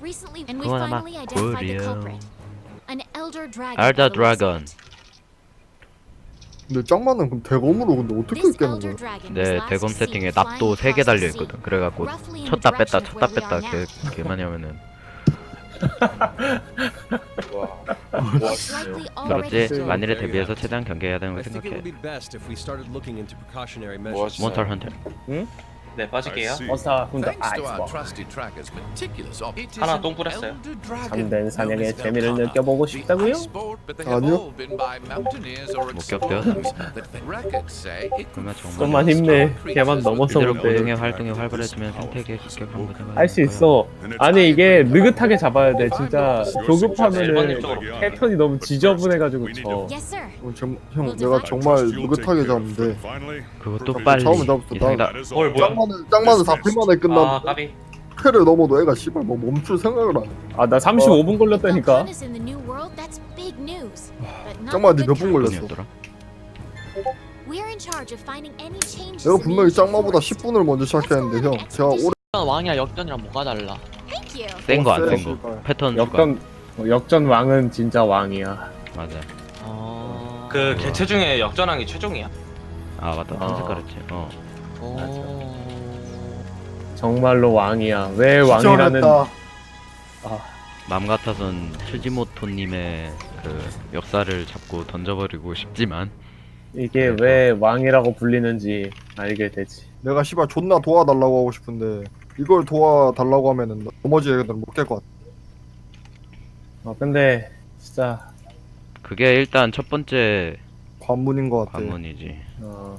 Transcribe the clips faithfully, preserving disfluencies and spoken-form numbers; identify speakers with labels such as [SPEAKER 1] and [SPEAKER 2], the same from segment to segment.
[SPEAKER 1] Recently, and we
[SPEAKER 2] 그건 아마
[SPEAKER 1] finally identified the
[SPEAKER 2] 꿀이요.
[SPEAKER 1] culprit. An elder dragon.
[SPEAKER 2] Elder
[SPEAKER 1] by the looks of
[SPEAKER 2] dragon.
[SPEAKER 1] it.
[SPEAKER 3] 근데 짱만은 그럼 대검으로 근데 어떻게
[SPEAKER 1] This
[SPEAKER 3] 깨는
[SPEAKER 1] elder
[SPEAKER 3] 거야?
[SPEAKER 1] dragon was
[SPEAKER 2] 네,
[SPEAKER 1] last
[SPEAKER 2] 대검
[SPEAKER 1] seen
[SPEAKER 2] 세팅에
[SPEAKER 1] flying
[SPEAKER 2] 납도 세 개
[SPEAKER 1] across the
[SPEAKER 2] 달려
[SPEAKER 1] sea,
[SPEAKER 2] 있거든. 그래갖고
[SPEAKER 1] roughly in the
[SPEAKER 2] 쳤다 뺐다
[SPEAKER 1] direction of
[SPEAKER 2] 쳤다
[SPEAKER 1] where we
[SPEAKER 2] 뺐다
[SPEAKER 1] are
[SPEAKER 2] 개, 개만 하면은
[SPEAKER 1] Likely already
[SPEAKER 2] 그렇지.
[SPEAKER 1] filled.
[SPEAKER 2] 만일에 대비해서 최대한 경계해야 되는 거
[SPEAKER 4] I think it would
[SPEAKER 2] 생각해.
[SPEAKER 4] be best if we started looking into precautionary
[SPEAKER 5] 뭐
[SPEAKER 4] measures.
[SPEAKER 2] 몬스터 헌터.
[SPEAKER 5] 네, 빠질게요.
[SPEAKER 6] 어사 훈더
[SPEAKER 7] Thanks to our
[SPEAKER 6] 아이스버
[SPEAKER 7] trusted trackers' meticulous op- It is
[SPEAKER 5] 하나
[SPEAKER 7] an
[SPEAKER 5] 똥 뿌렸어요.
[SPEAKER 7] elder dragon
[SPEAKER 6] 잠든 사냥의
[SPEAKER 7] known as
[SPEAKER 6] 재미를
[SPEAKER 7] Velkhana.
[SPEAKER 6] 느껴보고
[SPEAKER 7] The
[SPEAKER 6] 싶다고요?
[SPEAKER 7] ice sport, but they have
[SPEAKER 3] 아니요.
[SPEAKER 7] all been by mountaineers or
[SPEAKER 2] 목격되었습니다.
[SPEAKER 7] explorers that the records say it could
[SPEAKER 2] 그러면 정말
[SPEAKER 6] 좀만 힘내. 걔만 넘어서
[SPEAKER 2] 이대로
[SPEAKER 6] 본데
[SPEAKER 2] 고등의 활동이 활발해지면 생태계 급격한 문제가
[SPEAKER 6] 할 수 있어. 아니 이게 느긋하게 잡아야 돼. 진짜 조급하면은
[SPEAKER 5] 일반인 쪽으로.
[SPEAKER 6] 패턴이 너무 지저분해가지고 져.
[SPEAKER 1] Yes, sir.
[SPEAKER 3] 어, 정, 형 내가 정말 느긋하게 잡는데
[SPEAKER 2] 그것도 빨리
[SPEAKER 3] 처음에 잡았어.
[SPEAKER 2] 이상이다.
[SPEAKER 5] 뭘 뭐야?
[SPEAKER 3] 짱만은 짱만은 사 분 만에
[SPEAKER 5] 아,
[SPEAKER 3] 끝난
[SPEAKER 5] 까비.
[SPEAKER 3] 패를 넘어도 애가 씨발 뭐 멈출 생각을 안 해.
[SPEAKER 6] 아 나 삼십오 분 걸렸다니까.
[SPEAKER 1] Velkhana's in the new world. That's big news. But not
[SPEAKER 3] 짱만
[SPEAKER 1] the
[SPEAKER 3] 니몇
[SPEAKER 1] good
[SPEAKER 3] 분
[SPEAKER 1] kind.
[SPEAKER 3] 걸렸어?
[SPEAKER 2] 돈이었더라.
[SPEAKER 1] We're in charge of finding any changes
[SPEAKER 3] 내가
[SPEAKER 1] in the
[SPEAKER 3] 분명히
[SPEAKER 1] ancient
[SPEAKER 3] 짱마보다
[SPEAKER 1] forest.
[SPEAKER 3] 십 분을 먼저 시작했는데 형 제가 오래
[SPEAKER 8] 왕이랑 역전이랑 뭐가 달라?
[SPEAKER 1] Thank you.
[SPEAKER 2] 센 거 안 센
[SPEAKER 3] 어,
[SPEAKER 2] 거. 패턴
[SPEAKER 6] 역전 어, 역전 왕은 진짜 왕이야.
[SPEAKER 2] 추가. 맞아.
[SPEAKER 8] 어.
[SPEAKER 5] 그 개체 중에 역전왕이 최종이야.
[SPEAKER 2] 아 맞다.
[SPEAKER 6] 어.
[SPEAKER 2] 탐색 가르치. 어.
[SPEAKER 8] 오.
[SPEAKER 6] 정말로 왕이야. 왜 왕이라는
[SPEAKER 3] 기절했다.
[SPEAKER 2] 맘 같아선 츠지모토님의 그 역사를 잡고 던져버리고 싶지만
[SPEAKER 6] 이게 왜 왕이라고 불리는지 알게 되지.
[SPEAKER 3] 내가 씨발 존나 도와달라고 하고 싶은데 이걸 도와달라고 하면은 나머지 애들은 못 깰 것 같아.
[SPEAKER 6] 어 근데 진짜
[SPEAKER 2] 그게 일단 첫 번째
[SPEAKER 3] 관문인 것 같아.
[SPEAKER 2] 관문이지.
[SPEAKER 6] 어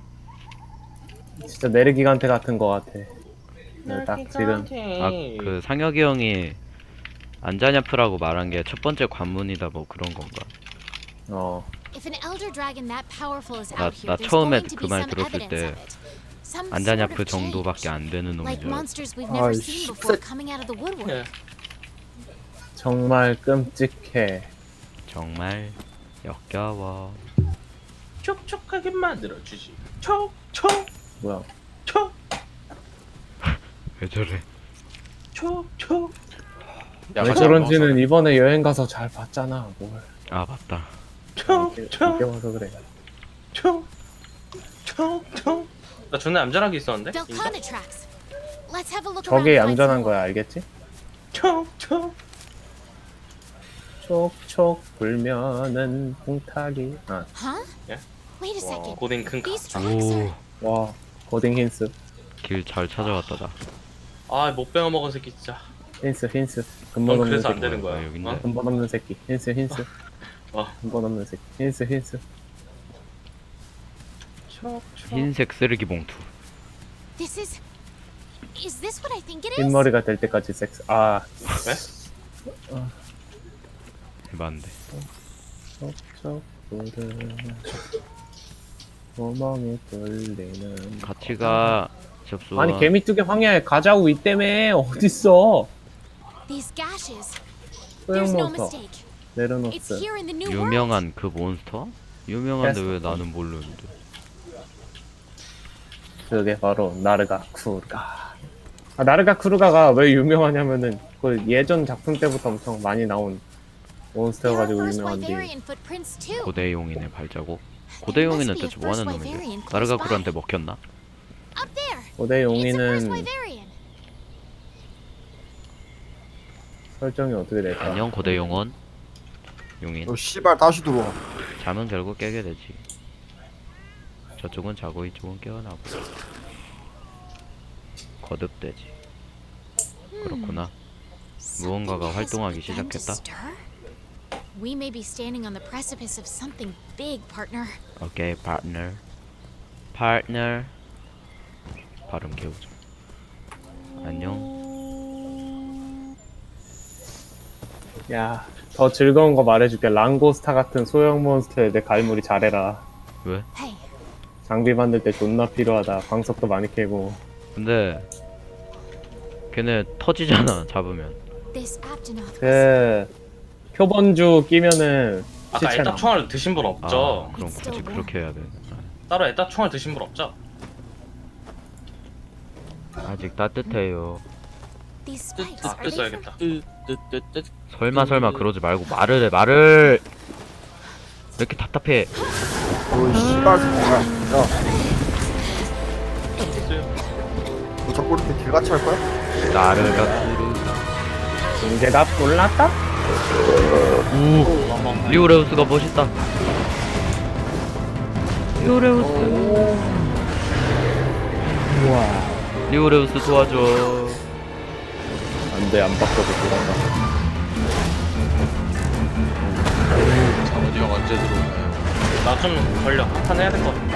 [SPEAKER 6] 진짜 내르기간테 같은 거 같아. 네, 딱 지금
[SPEAKER 2] 아 그 상혁이 형이 안자냐프라고 말한 게 첫 번째 관문이다 뭐 그런 건가?
[SPEAKER 6] 어
[SPEAKER 1] If an elder dragon that powerful is
[SPEAKER 2] 나-
[SPEAKER 1] out here,
[SPEAKER 2] 나
[SPEAKER 1] there's
[SPEAKER 2] 처음에
[SPEAKER 1] going to
[SPEAKER 2] 그
[SPEAKER 1] be
[SPEAKER 2] 말
[SPEAKER 1] some
[SPEAKER 2] 들었을
[SPEAKER 1] evidence
[SPEAKER 2] 때
[SPEAKER 1] of it. Some sort
[SPEAKER 2] 안자냐프
[SPEAKER 1] of
[SPEAKER 2] 정도밖에
[SPEAKER 1] change.
[SPEAKER 2] 안 되는 놈인
[SPEAKER 1] Like
[SPEAKER 2] 줄 알았어.
[SPEAKER 1] monsters we've never
[SPEAKER 3] 아이,
[SPEAKER 1] seen
[SPEAKER 3] 씨,
[SPEAKER 1] before
[SPEAKER 3] 색-
[SPEAKER 1] coming out of the woodwork.
[SPEAKER 6] 정말 끔찍해.
[SPEAKER 2] 정말 역겨워.
[SPEAKER 5] 촉촉하게 만들어주지. 촉촉
[SPEAKER 6] 뭐야?
[SPEAKER 5] 촉
[SPEAKER 2] 왜 저래?
[SPEAKER 5] 촉촉.
[SPEAKER 6] 왜 저런지는 이번에 여행 가서 잘 봤잖아. 뭘?
[SPEAKER 2] 아 맞다.
[SPEAKER 6] 이렇게
[SPEAKER 5] 촉촉
[SPEAKER 6] 이렇게 와서 그래.
[SPEAKER 5] 촉촉촉. 나 존나 얌전하게 있었는데. 인정?
[SPEAKER 1] Velkhana tracks. Let's have a look
[SPEAKER 6] 저게
[SPEAKER 1] around and find
[SPEAKER 6] 얌전한
[SPEAKER 1] some
[SPEAKER 6] 거야,
[SPEAKER 1] more.
[SPEAKER 6] 알겠지?
[SPEAKER 5] 촉촉.
[SPEAKER 6] 촉촉 불면은 홍타기. 아,
[SPEAKER 1] Huh?
[SPEAKER 5] Yeah.
[SPEAKER 1] Wait a
[SPEAKER 5] 와,
[SPEAKER 1] second.
[SPEAKER 5] 고딩 큰 카.
[SPEAKER 1] These tracks are.
[SPEAKER 2] 오,
[SPEAKER 6] 와, 고딩 힌스,
[SPEAKER 2] 길 잘 찾아왔다 나.
[SPEAKER 5] 아못 빼어 먹은 새끼 진짜.
[SPEAKER 6] 힌스, 힌스.
[SPEAKER 5] 넌
[SPEAKER 6] 근본 없는
[SPEAKER 5] 그래서 안
[SPEAKER 6] 새끼.
[SPEAKER 5] 되는 거야.
[SPEAKER 2] 아, 여긴데.
[SPEAKER 5] 어?
[SPEAKER 6] 근본 없는 새끼. 힌스, 힌스.
[SPEAKER 5] 어.
[SPEAKER 6] 근본 없는 새끼. 힌스, 힌스.
[SPEAKER 5] 촉촉.
[SPEAKER 2] 흰색 쓰레기 봉투.
[SPEAKER 1] This is. Is this what I think it is?
[SPEAKER 6] 흰머리가 될 때까지 섹스. 아,
[SPEAKER 5] 왜?
[SPEAKER 2] 해봤는데.
[SPEAKER 6] 촉촉 불은 구멍이 뚫리는.
[SPEAKER 2] 같이 가. 접수.
[SPEAKER 6] 아니 개미뚜기 황야에 가자고 이때문에 어딨어?
[SPEAKER 1] These gashes.
[SPEAKER 6] 소형
[SPEAKER 1] There's no
[SPEAKER 6] 몬스터
[SPEAKER 1] mistake. It's
[SPEAKER 6] 네르노스.
[SPEAKER 1] here in the new world.
[SPEAKER 2] 유명한 그 몬스터? 유명한데
[SPEAKER 6] 됐어.
[SPEAKER 2] 왜 나는 모르는데?
[SPEAKER 6] 그게 바로 나르가 쿠르가. 아, 나르가 쿠르가가 왜 유명하냐면은 그 예전 작품 때부터 엄청 많이 나온
[SPEAKER 1] There are
[SPEAKER 6] 몬스터여가지고
[SPEAKER 1] first
[SPEAKER 6] 유명한데.
[SPEAKER 1] Wyverian footprints too.
[SPEAKER 2] 고대용인의 발자국. 고대용인은 대체 뭐 하는 놈인데? 나르가쿠르한테 먹혔나?
[SPEAKER 1] Up there.
[SPEAKER 6] 고대
[SPEAKER 1] It's a first
[SPEAKER 6] 용인은
[SPEAKER 1] Wyverian.
[SPEAKER 6] 설정이 어떻게 될까?
[SPEAKER 2] 안녕 고대용원. 용인.
[SPEAKER 3] 너 씨발 다시 들어와.
[SPEAKER 2] 잠은 결국 깨게 되지. 저쪽은 자고 이쪽은 깨어나고. 거듭되지. 그렇구나. 무언가가
[SPEAKER 1] Something has
[SPEAKER 2] 활동하기
[SPEAKER 1] begun to
[SPEAKER 2] 시작했다.
[SPEAKER 1] stir? We may be standing on the precipice of something big, partner.
[SPEAKER 2] 오케이, 파트너. 파트너. 발음 개우죠. 안녕.
[SPEAKER 6] 야, 더 즐거운 거 말해줄게. 랑고스타 같은 소형 몬스터에 내 갈무리 잘해라.
[SPEAKER 2] 왜?
[SPEAKER 1] Hey,
[SPEAKER 6] 장비 만들 때 존나 필요하다. 광석도 많이 캐고.
[SPEAKER 2] 근데 걔네 터지잖아 잡으면.
[SPEAKER 1] this Aptonoth was
[SPEAKER 6] 그 표본주 끼면은
[SPEAKER 5] 아까
[SPEAKER 6] 시체
[SPEAKER 5] 애따
[SPEAKER 6] 나.
[SPEAKER 5] 총알 드신 분 없죠?
[SPEAKER 2] 아, 그럼 굳이 그렇게 해야 돼.
[SPEAKER 5] 따로 애따 총알 드신 분 없죠?
[SPEAKER 2] 아직 따뜻해요.
[SPEAKER 1] These spikes,
[SPEAKER 5] 아,
[SPEAKER 1] are they from...
[SPEAKER 5] 써야겠다.
[SPEAKER 8] 뜨뜨뜨뜨.
[SPEAKER 2] 설마 설마 그러지 말고 말을 해 말을. 왜 이렇게 답답해?
[SPEAKER 3] 너 씨발 새끼야. 야, 너 자꾸 이렇게 개같이 할 거야?
[SPEAKER 2] 나르가 쿠르.
[SPEAKER 6] 문제가 몰랐다?
[SPEAKER 2] 오, 리오레우스가 멋있다. 리오레우스.
[SPEAKER 6] 우와.
[SPEAKER 2] 리오레우스 도와줘.
[SPEAKER 6] 안돼 안 바꿔도 들어간다.
[SPEAKER 8] 장원이 형 언제 들어오나요?
[SPEAKER 5] 나 좀 걸려. 한판 해야 될 것 같아.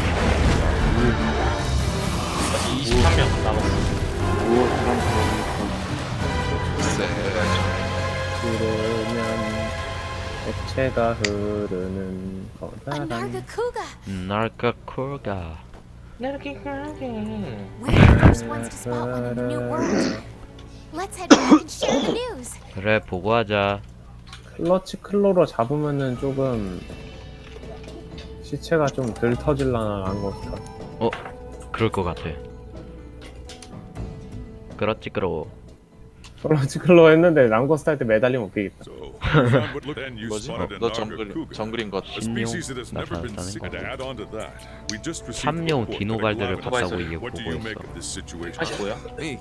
[SPEAKER 5] 아직 이십삼 명 남았어.
[SPEAKER 7] Say,
[SPEAKER 6] 흐르면 액체가 흐르는
[SPEAKER 1] A
[SPEAKER 6] 커다란
[SPEAKER 1] Nargacuga!
[SPEAKER 2] 날까 콜가.
[SPEAKER 1] We're the first ones to spot one in the new world. Let's head back and share the news.
[SPEAKER 2] 그래 보고하자.
[SPEAKER 6] 클러치 클로로 잡으면은 조금 시체가 좀 덜 터질라나 한 것 같아.
[SPEAKER 2] 어, 그럴 것 같아. 그렇지 그러.
[SPEAKER 6] 클러치 클로 했는데 랑고스트 할 때 매달리면 웃기겠다.
[SPEAKER 8] 뭐지? 너 정글 정글인 것 같아.
[SPEAKER 2] 신용 나타났다는 거. 삼룡 디노발드를 봤다고 이게 보고했어.
[SPEAKER 5] 팔십오야?
[SPEAKER 4] Me.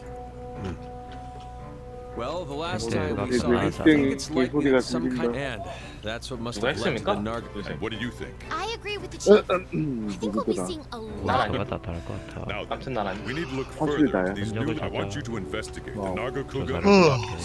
[SPEAKER 4] Well, the last
[SPEAKER 2] Okay,
[SPEAKER 4] time we
[SPEAKER 2] that's
[SPEAKER 4] saw it, I
[SPEAKER 2] nice.
[SPEAKER 4] think it's likely that some kind and that's what must
[SPEAKER 5] 누가
[SPEAKER 4] have led to the
[SPEAKER 5] 했습니까?
[SPEAKER 4] Narg.
[SPEAKER 5] 요새.
[SPEAKER 9] What do you think?
[SPEAKER 1] I agree with the chief. I think we'll be seeing a lot.
[SPEAKER 2] 나라가 다 다를 것 같아.
[SPEAKER 9] Now then,
[SPEAKER 5] 아무튼 난 아니.
[SPEAKER 9] we need to look further into these
[SPEAKER 2] 인정을
[SPEAKER 9] new. I want
[SPEAKER 2] 찾아.
[SPEAKER 9] you to investigate the
[SPEAKER 6] 어,
[SPEAKER 9] Nargacuga.
[SPEAKER 2] 조사를 부탁해.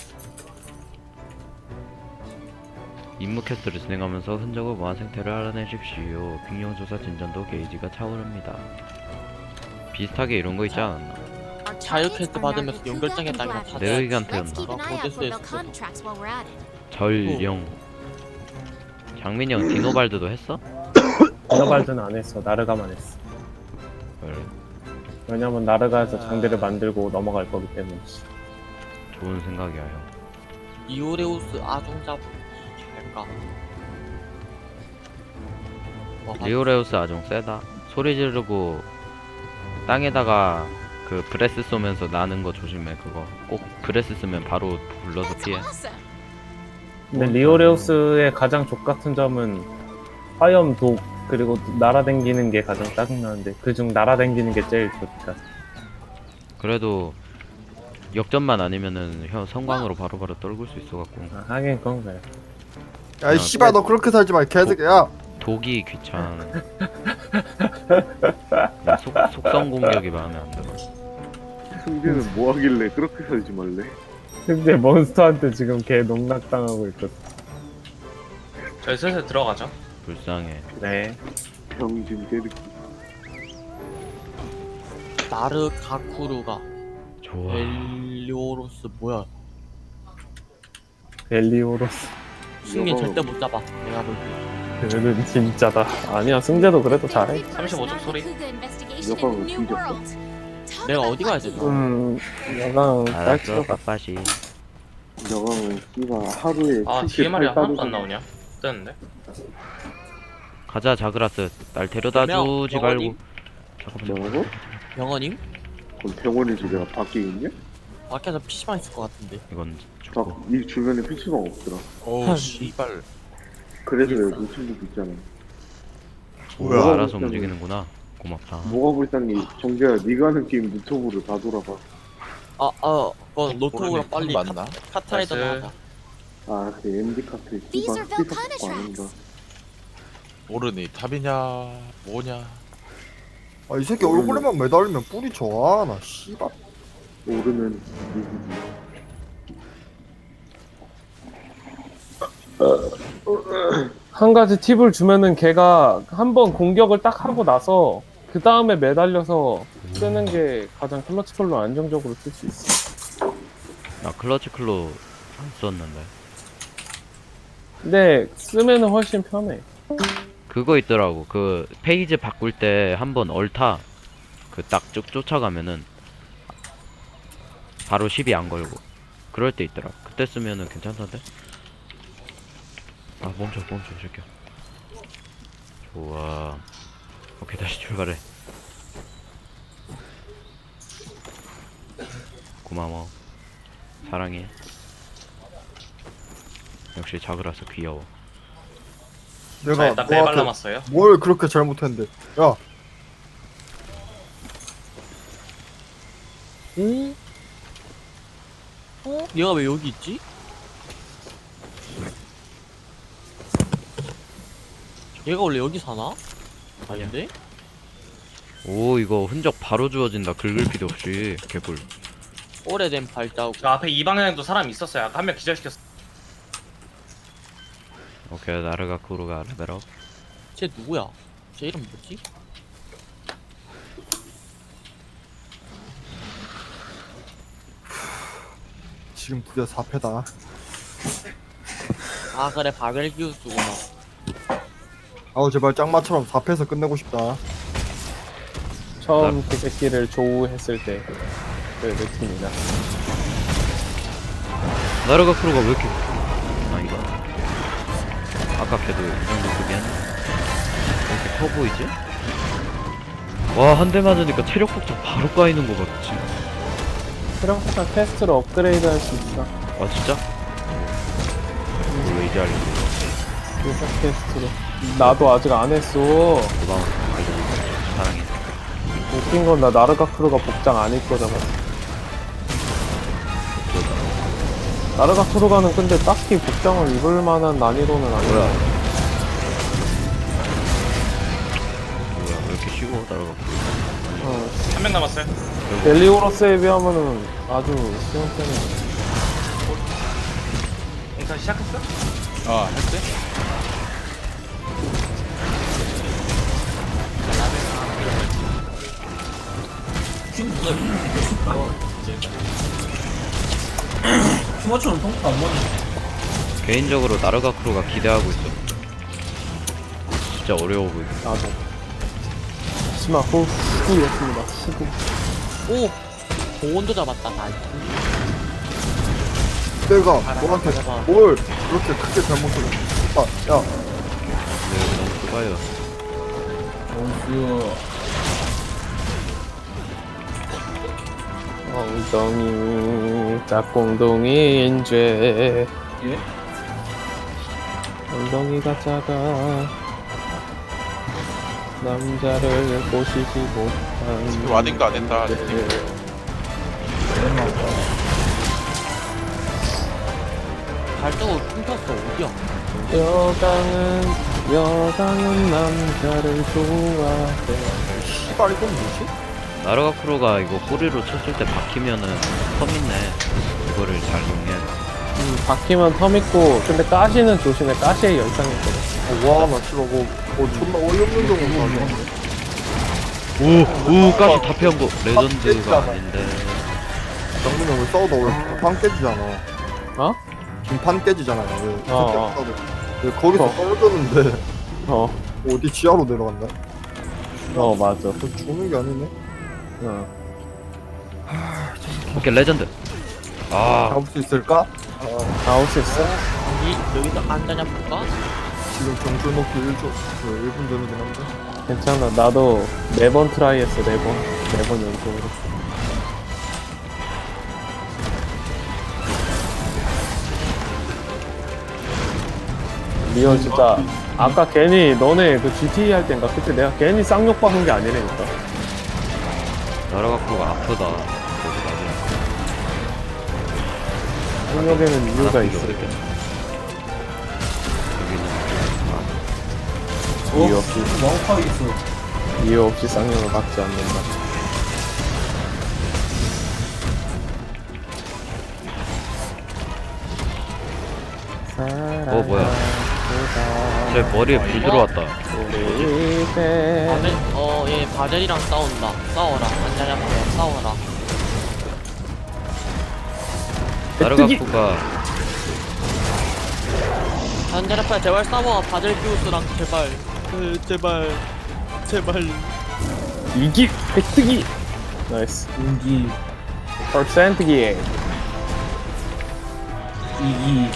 [SPEAKER 2] 임무 퀘스트를 진행하면서 흔적을 모아 생태를 알아내십시오. 빅룡 조사 진전도 게이지가 차오릅니다. 비슷하게 이런 거 있지 않았나?
[SPEAKER 1] Our
[SPEAKER 8] 자유
[SPEAKER 1] targets
[SPEAKER 8] 퀘스트
[SPEAKER 1] are
[SPEAKER 8] 받으면서
[SPEAKER 1] Nargacuga
[SPEAKER 8] 연결장에
[SPEAKER 1] and
[SPEAKER 8] 따라
[SPEAKER 1] Gladys.
[SPEAKER 8] 다
[SPEAKER 2] 내르기간테였나?
[SPEAKER 1] Let's keep an eye out for
[SPEAKER 8] 어디서
[SPEAKER 1] the
[SPEAKER 8] 했어?
[SPEAKER 1] contracts while we're at it.
[SPEAKER 2] 전령. 장민이 형 디노발드도 했어?
[SPEAKER 6] 디노발드는 안 했어. 나르가만 했어.
[SPEAKER 2] 그래,
[SPEAKER 6] 왜냐면 나르가에서 장비를 만들고 넘어갈 거기 때문에.
[SPEAKER 2] 좋은 생각이야 형.
[SPEAKER 8] 이오레우스 아종잡 잘까? 뭐,
[SPEAKER 2] 리오레우스 아종 세다. 소리 지르고 땅에다가 그 브레스 쏘면서 나는 거 조심해. 그거 꼭 브레스 쓰면 바로 불러서
[SPEAKER 1] That's
[SPEAKER 2] 피해.
[SPEAKER 1] awesome.
[SPEAKER 6] 근데 리오레우스의 가장 족같은 점은 화염, 독, 그리고 날아댕기는 게 가장 짜증나는데 그중 날아댕기는 게 제일 좋다.
[SPEAKER 2] 그래도 역전만 아니면은 형 성광으로 바로바로 떨굴 수 있어갖고.
[SPEAKER 6] 아, 하긴 그건 그래.
[SPEAKER 3] 야, 이 씨발 너 그렇게 살지 마, 이 개새끼야.
[SPEAKER 2] 독이 귀찮아. 그냥 속, 속성 공격이 마음에 안 들어.
[SPEAKER 10] 승재는 뭐 하길래 그렇게 살지 말래?
[SPEAKER 6] 근데 몬스터한테 지금 개 농락당하고 있거든.
[SPEAKER 5] 저희 슬슬 들어가죠.
[SPEAKER 2] 불쌍해.
[SPEAKER 6] 네.
[SPEAKER 10] 병신 개새끼.
[SPEAKER 8] 나르가쿠르가
[SPEAKER 2] 좋아.
[SPEAKER 8] 벨리오로스 뭐야?
[SPEAKER 6] 벨리오로스.
[SPEAKER 8] 승린 절대 못 잡아. 내가 볼 때.
[SPEAKER 6] 그는 진짜다. 아니야, 승재도 그래도 잘해.
[SPEAKER 5] 삼십오 쪽 소리.
[SPEAKER 10] 여가가 뒤졌어.
[SPEAKER 8] 내가 어디 가야 되나?
[SPEAKER 6] 음, 여강
[SPEAKER 2] 알았어,
[SPEAKER 6] 딸치러 가.
[SPEAKER 2] 빠빠시.
[SPEAKER 10] 여강은 씨발 하루에
[SPEAKER 5] 아 뒤에 말이 하나도 안 나오냐? 뜨는데?
[SPEAKER 2] 가자 자그라스. 날 데려다
[SPEAKER 8] 명,
[SPEAKER 2] 주지
[SPEAKER 8] 영원히.
[SPEAKER 2] 말고. 잠깐만.
[SPEAKER 10] 뭐라고?
[SPEAKER 8] 병원님?
[SPEAKER 10] 그럼 병원에 집에가 밖에 있냐?
[SPEAKER 8] 밖에서 피시방 있을 것 같은데.
[SPEAKER 2] 이건 죽고.
[SPEAKER 10] 딱이 주변에 피치방 없더라.
[SPEAKER 8] 어우 씨발.
[SPEAKER 10] 그래서 여기 친구도 있잖아.
[SPEAKER 2] 뭐야?
[SPEAKER 10] 뭐가
[SPEAKER 2] 알아서
[SPEAKER 10] 불쌍해.
[SPEAKER 2] 움직이는구나. 고맙다.
[SPEAKER 10] 뭐가 불쌍해? 정재야, 네가 하는 게임 유튜브로 다 돌아봐.
[SPEAKER 8] 아, 아, 그건 노트북으로 빨리
[SPEAKER 7] 맞나?
[SPEAKER 8] 카, 카타이더
[SPEAKER 5] 나이스.
[SPEAKER 8] 하자.
[SPEAKER 10] 아, 그 엠디 카페
[SPEAKER 1] These
[SPEAKER 10] 씨발
[SPEAKER 1] are Velcana
[SPEAKER 10] 피사고 안 한다.
[SPEAKER 1] tracks.
[SPEAKER 7] 모르니 탑이냐 뭐냐.
[SPEAKER 3] 아, 이 새끼 얼굴에만 매달리면 뿔이 좋아. 나 씨발.
[SPEAKER 10] 오르는 누구지?
[SPEAKER 6] 한 가지 팁을 주면은 걔가 한번 공격을 딱 하고 나서 그 다음에 매달려서 쓰는 게 가장 클러치컬로 안정적으로 쓸 수 있어.
[SPEAKER 2] 나 클러치 클로 안 썼는데.
[SPEAKER 6] 근데 쓰면은 훨씬 편해.
[SPEAKER 2] 그거 있더라고. 그 페이지 바꿀 때 한번 얼타 그 딱 쭉 쫓아가면은 바로 십이 안 걸고 그럴 때 있더라. 그때 쓰면은 괜찮던데. 아 멈춰 멈춰 이 새끼야. 좋아. 오케이 다시 출발해. 고마워. 사랑해. 역시 작으라서 귀여워.
[SPEAKER 5] 자
[SPEAKER 3] 내가
[SPEAKER 5] 일단 네발
[SPEAKER 3] 너한테
[SPEAKER 5] 남았어요.
[SPEAKER 3] 뭘 그렇게 잘못했는데? 야,
[SPEAKER 11] 오? 어? 얘가 왜 여기 있지? 얘가 원래 여기 사나? 아닌데?
[SPEAKER 2] 오 이거 흔적 바로 주워진다. 긁을 필요 없이. 개꿀.
[SPEAKER 11] 오래된 발자국.
[SPEAKER 5] 저 앞에 이 방향에도 사람 있었어요. 아까 한 명 기절시켰어.
[SPEAKER 2] 오케이 나르가 쿠로가 레벨업.
[SPEAKER 11] 쟤 누구야? 쟤 이름 뭐지?
[SPEAKER 3] 지금 드디어 사 패다.
[SPEAKER 11] 아 그래 바벨기우스구나.
[SPEAKER 3] 아우 제발 짱마처럼 사 패에서 끝내고 싶다.
[SPEAKER 6] 처음 그 새끼를 조우했을 때 그 느낌이다.
[SPEAKER 2] 나르가 쿠로가 왜 이렇게 아 이거 아까 걔도 이 정도 급이야? 왜 이렇게 커 보이지? 와 한 대 맞으니까 체력 폭탄 바로 까이는 거 같지?
[SPEAKER 6] 트럼프가 퀘스트로 업그레이드 할 수 있어.
[SPEAKER 2] 아 진짜? 왜 이제 알려?
[SPEAKER 6] 요사 퀘스트로. 나도 아직 안 했어.
[SPEAKER 2] 고마워 알려줘서 사랑해.
[SPEAKER 6] 웃긴 건 나 나르가 크루가 복장 안 입고 잡았어. 나르가 크루가는 근데 딱히 복장을 입을 만한 난이도는 아니야.
[SPEAKER 2] 뭐야? 뭐야 왜 이렇게 쉬워 나르가 쿠로?
[SPEAKER 6] 어,
[SPEAKER 5] 한 명 남았어요.
[SPEAKER 6] 델리오로스에 비하면은 아주 쉬운 편이야.
[SPEAKER 5] 인사 시작했어?
[SPEAKER 7] 아 했대?
[SPEAKER 11] 휴머처럼 통도 안 먹는.
[SPEAKER 2] 개인적으로 나르가 쿠로가 기대하고 있어. 진짜 어려워 보이네.
[SPEAKER 6] 나도. 하지만 후, 후였습니다. 후구.
[SPEAKER 11] 오! 보온도 잡았다 나.
[SPEAKER 3] 내가
[SPEAKER 11] 아,
[SPEAKER 3] 너한테
[SPEAKER 11] 내가-
[SPEAKER 3] 뭘 그렇게 크게 잘못했어? 아, 야,
[SPEAKER 2] 네, 너무 좁아요.
[SPEAKER 6] 엉덩이 짝꿍둥이인 죄.
[SPEAKER 11] 예?
[SPEAKER 6] 엉덩이가 작아 남자를 보시지 못한.
[SPEAKER 7] 와딩도 안 했다.
[SPEAKER 11] 발자국 끊겼어 어디야?
[SPEAKER 6] 여강은 여강은 남자를 좋아해.
[SPEAKER 3] 씨발 이건 뭐지?
[SPEAKER 2] 나르가 쿠로가 이거 꼬리로 쳤을 때 박히면은 텀 있네. 이거를 잘 이용해.
[SPEAKER 6] 음, 바퀴만 텀 있고 근데 가시는 조심해. 가시에 열상 있거든.
[SPEAKER 3] 와, 나 씨발 뭐, 뭐 존나 어이없는 경우 나네.
[SPEAKER 2] 오! 오! 가시 다 피한 거 레전드가 아닌데.
[SPEAKER 3] 장군이 형왜 싸우다 왜 판 깨지잖아.
[SPEAKER 6] 어?
[SPEAKER 3] 김판 깨지잖아요. 왜
[SPEAKER 6] 어,
[SPEAKER 3] 그렇게
[SPEAKER 6] 어.
[SPEAKER 3] 싸우고. 왜 거기서
[SPEAKER 6] 어.
[SPEAKER 3] 떨어졌는데
[SPEAKER 6] 어,
[SPEAKER 3] 어디 지하로 내려간다?
[SPEAKER 6] 어 맞아.
[SPEAKER 3] 저 죽는 게 아니네.
[SPEAKER 6] 어.
[SPEAKER 2] 오케이 레전드. 아
[SPEAKER 3] 잡을 수 있을까?
[SPEAKER 6] 나올 수 있어?
[SPEAKER 11] 여기 여기서 앉아냐 볼까?
[SPEAKER 3] 지금 점수 놓고 일 초, 그 일 분 전이긴 한데.
[SPEAKER 6] 괜찮아. 나도 네 번 트라이 했어. 네 번. 네 번 연속으로. 리얼 진짜 아까 괜히 너네 그 지티이 할 땐가 그때 내가 괜히 쌍욕 박은 게 아니라니까.
[SPEAKER 2] 나르가 쿠로가 아프다. 그래서 나도
[SPEAKER 6] 쌍욕에는 이유가
[SPEAKER 2] 안 아픈 게
[SPEAKER 6] 있어.
[SPEAKER 2] 어딨겠어. 여기는
[SPEAKER 6] 이유 없이 이유 없이 쌍욕을 받지 않는다.
[SPEAKER 2] 어 뭐야? 제 머리에 불 들어왔다.
[SPEAKER 6] 우리 배
[SPEAKER 11] 바젤 어얘 바젤이랑 싸운다. 싸워라. 앉아냐 볼까? 싸워라.
[SPEAKER 2] 나르가
[SPEAKER 6] 메뚜기!
[SPEAKER 2] 쿠가
[SPEAKER 11] 앉아냐 제발 싸워. 바젤기우스랑 제발. 그 제발. 제발.
[SPEAKER 6] 이기 획득이 나이스. 이기 퍼센트기 이기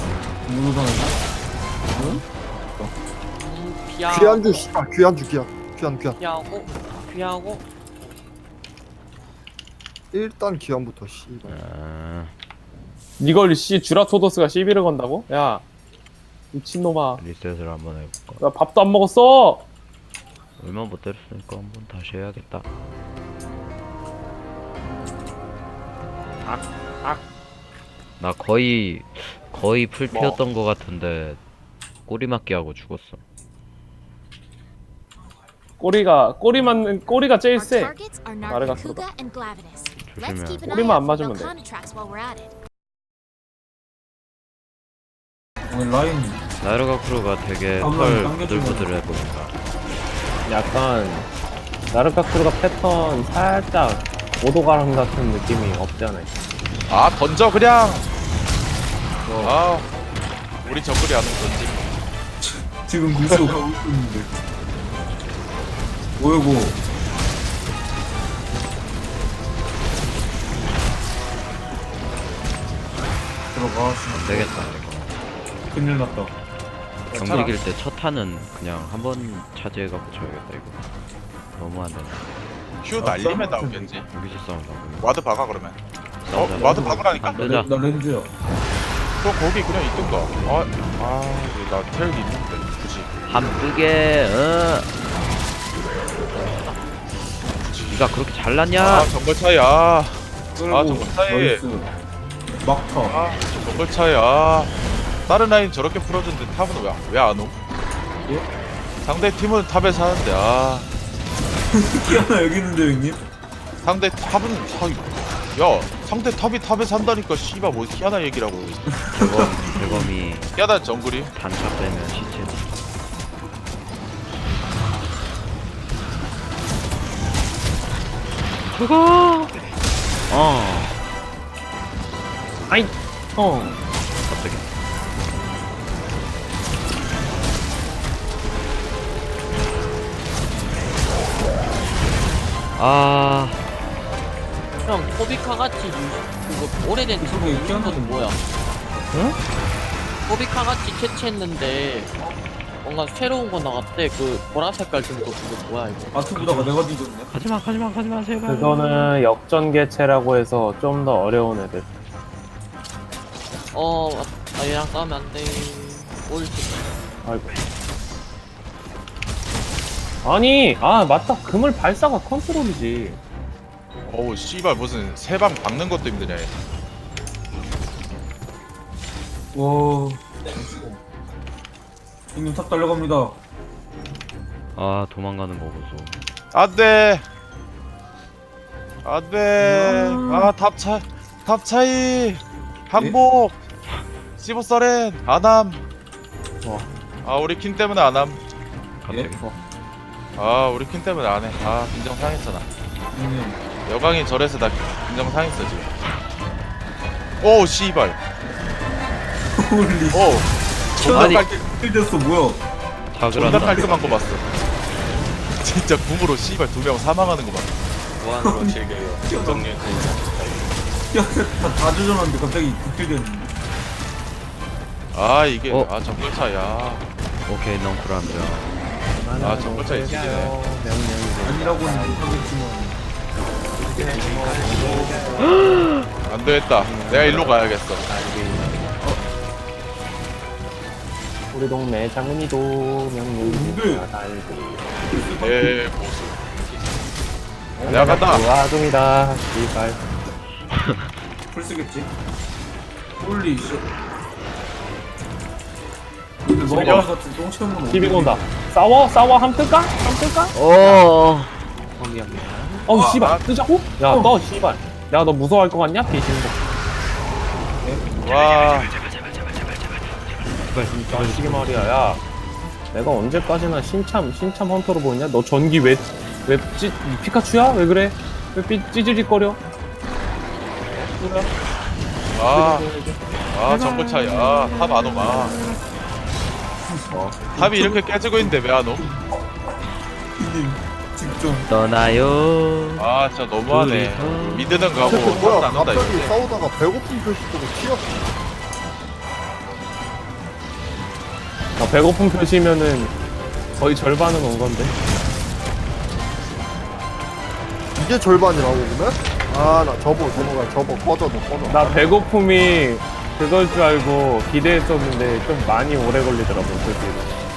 [SPEAKER 11] 음, 피야.
[SPEAKER 3] 귀한주 씨발 귀한주 귀한 귀환 귀환.
[SPEAKER 11] 피하고 피하고
[SPEAKER 3] 일단 귀환부터 씨발.
[SPEAKER 2] 아,
[SPEAKER 6] 이걸 씨 주라토도스가 시비를 건다고? 야 미친놈아,
[SPEAKER 2] 리셋을 한번 해볼까?
[SPEAKER 6] 나 밥도 안 먹었어.
[SPEAKER 2] 얼마 못 때렸으니까 한번 다시 해야겠다. 나 거의 거의 풀피였던 거 같은데 꼬리 맞기 하고 죽었어.
[SPEAKER 6] 꼬리가 꼬리 맞는 꼬리가 제일
[SPEAKER 1] Our
[SPEAKER 6] 세.
[SPEAKER 1] targets are
[SPEAKER 6] Nargacuga
[SPEAKER 1] Nargacuga and Glavenus. Let's
[SPEAKER 2] 조심해야
[SPEAKER 1] keep
[SPEAKER 2] 돼.
[SPEAKER 1] an eye
[SPEAKER 6] 꼬리만 안
[SPEAKER 1] out for
[SPEAKER 6] 맞으면 돼.
[SPEAKER 1] Belcana tracks while we're at it.
[SPEAKER 9] 오늘 라인
[SPEAKER 2] 나이로가 크루가 되게
[SPEAKER 9] 한번
[SPEAKER 2] 털
[SPEAKER 9] 당겨주면
[SPEAKER 2] 부들부들해 보인다.
[SPEAKER 6] 약간 나르카크루가 패턴 살짝 오도가랑 같은 느낌이 없지 않아 있어.
[SPEAKER 8] 아 던져 그냥. 아 우리 정글이 안 던지.
[SPEAKER 9] 지금 미소 가고 있는데 뭐야고 들어가.
[SPEAKER 2] 안 되겠다 이거.
[SPEAKER 9] 큰일 났다.
[SPEAKER 2] 경기 이길 때 첫 타는 그냥 한 번 차지해갖고 쳐야겠다 이거. 너무 안 된다.
[SPEAKER 8] q 날리면 나오겠지.
[SPEAKER 2] 여기서 싸운다.
[SPEAKER 8] 와드 박아 그러면. 어
[SPEAKER 2] 싸우자.
[SPEAKER 8] 와드 박으라니까.
[SPEAKER 2] 안 되자.
[SPEAKER 9] 나 렌즈야.
[SPEAKER 8] 그럼 거기 그냥 있던가. 아아나 텔기 있는데 굳이.
[SPEAKER 2] 함뜨게. 어. 니가 그렇게 잘났냐?
[SPEAKER 8] 아 정글 차이 아.
[SPEAKER 9] 끌고
[SPEAKER 8] 아 정글 차이.
[SPEAKER 9] 나이스. 막타.
[SPEAKER 8] 아 정글 차이 아. 다른 라인 저렇게 풀어준데 탑은 왜 왜 안 오?
[SPEAKER 9] 예?
[SPEAKER 8] 상대 팀은 탑에 사는데 아.
[SPEAKER 9] 키아나 여기 있는데 형님?
[SPEAKER 8] 상대 탑은 사. 야 상대 탑이 탑에 산다니까 씨발 뭐 희한한 얘기라고.
[SPEAKER 2] 대검 대검이
[SPEAKER 8] 희한한 정글이.
[SPEAKER 2] 단차 빼면 시체. 죽어. 어.
[SPEAKER 6] 아이 어
[SPEAKER 2] 갑자기. 아.
[SPEAKER 11] 형 코비카 같이 유- 그거 오래된 친구
[SPEAKER 9] 그거
[SPEAKER 11] 유는 것도
[SPEAKER 9] 있잖아.
[SPEAKER 11] 뭐야?
[SPEAKER 6] 응?
[SPEAKER 11] 코비카 같이 캐치했는데 뭔가 새로운 거 나왔대. 그 보라 색깔 든 거 그거 뭐야 이거?
[SPEAKER 9] 아트보다가 내가 뒤졌네.
[SPEAKER 2] 가지마 가지마 가지마 제발.
[SPEAKER 6] 그거는 역전 개체라고 해서 좀 더 어려운 애들.
[SPEAKER 11] 어, 아, 얘랑 싸우면 안 돼. 옳지.
[SPEAKER 6] 아이고. 아니, 아 맞다. 그물 발사가 컨트롤이지.
[SPEAKER 8] 어우 씨발 무슨 세 방 박는 것도 힘드냐 얘.
[SPEAKER 9] 와. 형님 탑 달려갑니다.
[SPEAKER 2] 아 도망가는 거 보소.
[SPEAKER 8] 안돼 안돼 아탑 차 탑 차이 항복 시보서렌 안함. 아 우리 킨 때문에 안함.
[SPEAKER 2] 갑자기.
[SPEAKER 9] 예?
[SPEAKER 8] 아 우리 킨 때문에 안해. 아 긴장 상했어 나.
[SPEAKER 9] 형님.
[SPEAKER 8] 여강이 저래서 나 긴장 상했어 지금. 오 씨발.
[SPEAKER 9] 홀리.
[SPEAKER 8] 오 존나
[SPEAKER 2] 아니.
[SPEAKER 8] 깔끔
[SPEAKER 9] 됐어 뭐야?
[SPEAKER 2] 다
[SPEAKER 8] 존나
[SPEAKER 2] 그런다.
[SPEAKER 8] 깔끔한 거 봤어. 진짜 궁으로 씨발 두 명 사망하는 거 봤어.
[SPEAKER 5] 무한으로 즐겨요. 정리
[SPEAKER 9] 다다 조져놨는데 갑자기 극딜됐는데.
[SPEAKER 8] 아 이게
[SPEAKER 2] 어?
[SPEAKER 8] 아 정글 차야.
[SPEAKER 2] 오케이 넝쿨함정.
[SPEAKER 8] 아 정글 차이 지지네.
[SPEAKER 9] 아니라고는 못하겠지만.
[SPEAKER 8] 안 되겠다. 내가 일로 가야겠어.
[SPEAKER 6] 우리 동네 장훈이도 명륜이가 달고.
[SPEAKER 8] 내 보수. 내가 간다.
[SPEAKER 6] 아동이다. 씨발.
[SPEAKER 9] 풀 쓰겠지? 홀리 씨. 근데
[SPEAKER 8] 소녀?
[SPEAKER 9] 너가 같은 똥채는
[SPEAKER 6] 비비고 온다. 싸워? 싸워? 함 뜰까? 함 뜰까?
[SPEAKER 2] 어.
[SPEAKER 6] 어우
[SPEAKER 8] 아,
[SPEAKER 6] 씨발
[SPEAKER 8] 아.
[SPEAKER 6] 뜨자고? 야 너 씨발. 야 너 무서워할 것 같냐? 비신고.
[SPEAKER 8] 와.
[SPEAKER 6] 자식이 말이야. 야 내가 언제까지나 신참 신참 헌터로 보이냐? 너 전기 왜왜 찌 피카츄야? 왜 그래? 왜 삐, 찌질거려? 뭐야?
[SPEAKER 8] 아. 아 정글 차이. 아탑 안 오마. 어. 탑이 이렇게 깨지고 있는데 왜 안 오?
[SPEAKER 9] 형님 집중.
[SPEAKER 2] 떠나요.
[SPEAKER 8] 아 진짜 너무하네.
[SPEAKER 2] 둘이서.
[SPEAKER 8] 미드는 가고
[SPEAKER 3] 새끼
[SPEAKER 8] 탑은
[SPEAKER 3] 뭐야?
[SPEAKER 8] 안 온다
[SPEAKER 3] 갑자기
[SPEAKER 8] 이거.
[SPEAKER 3] 싸우다가 배고픈 표시 보고 튀었어.
[SPEAKER 6] 아, 배고픈 표시면은 거의 절반은 온 건데.
[SPEAKER 3] 이게 절반이라고 그러면? 아나 접어 접어가 접어 꺼져 너 꺼져.
[SPEAKER 6] 나 배고픔이 그걸 줄 알고 기대했었는데 좀 많이 오래 걸리더라고 그 뒤로.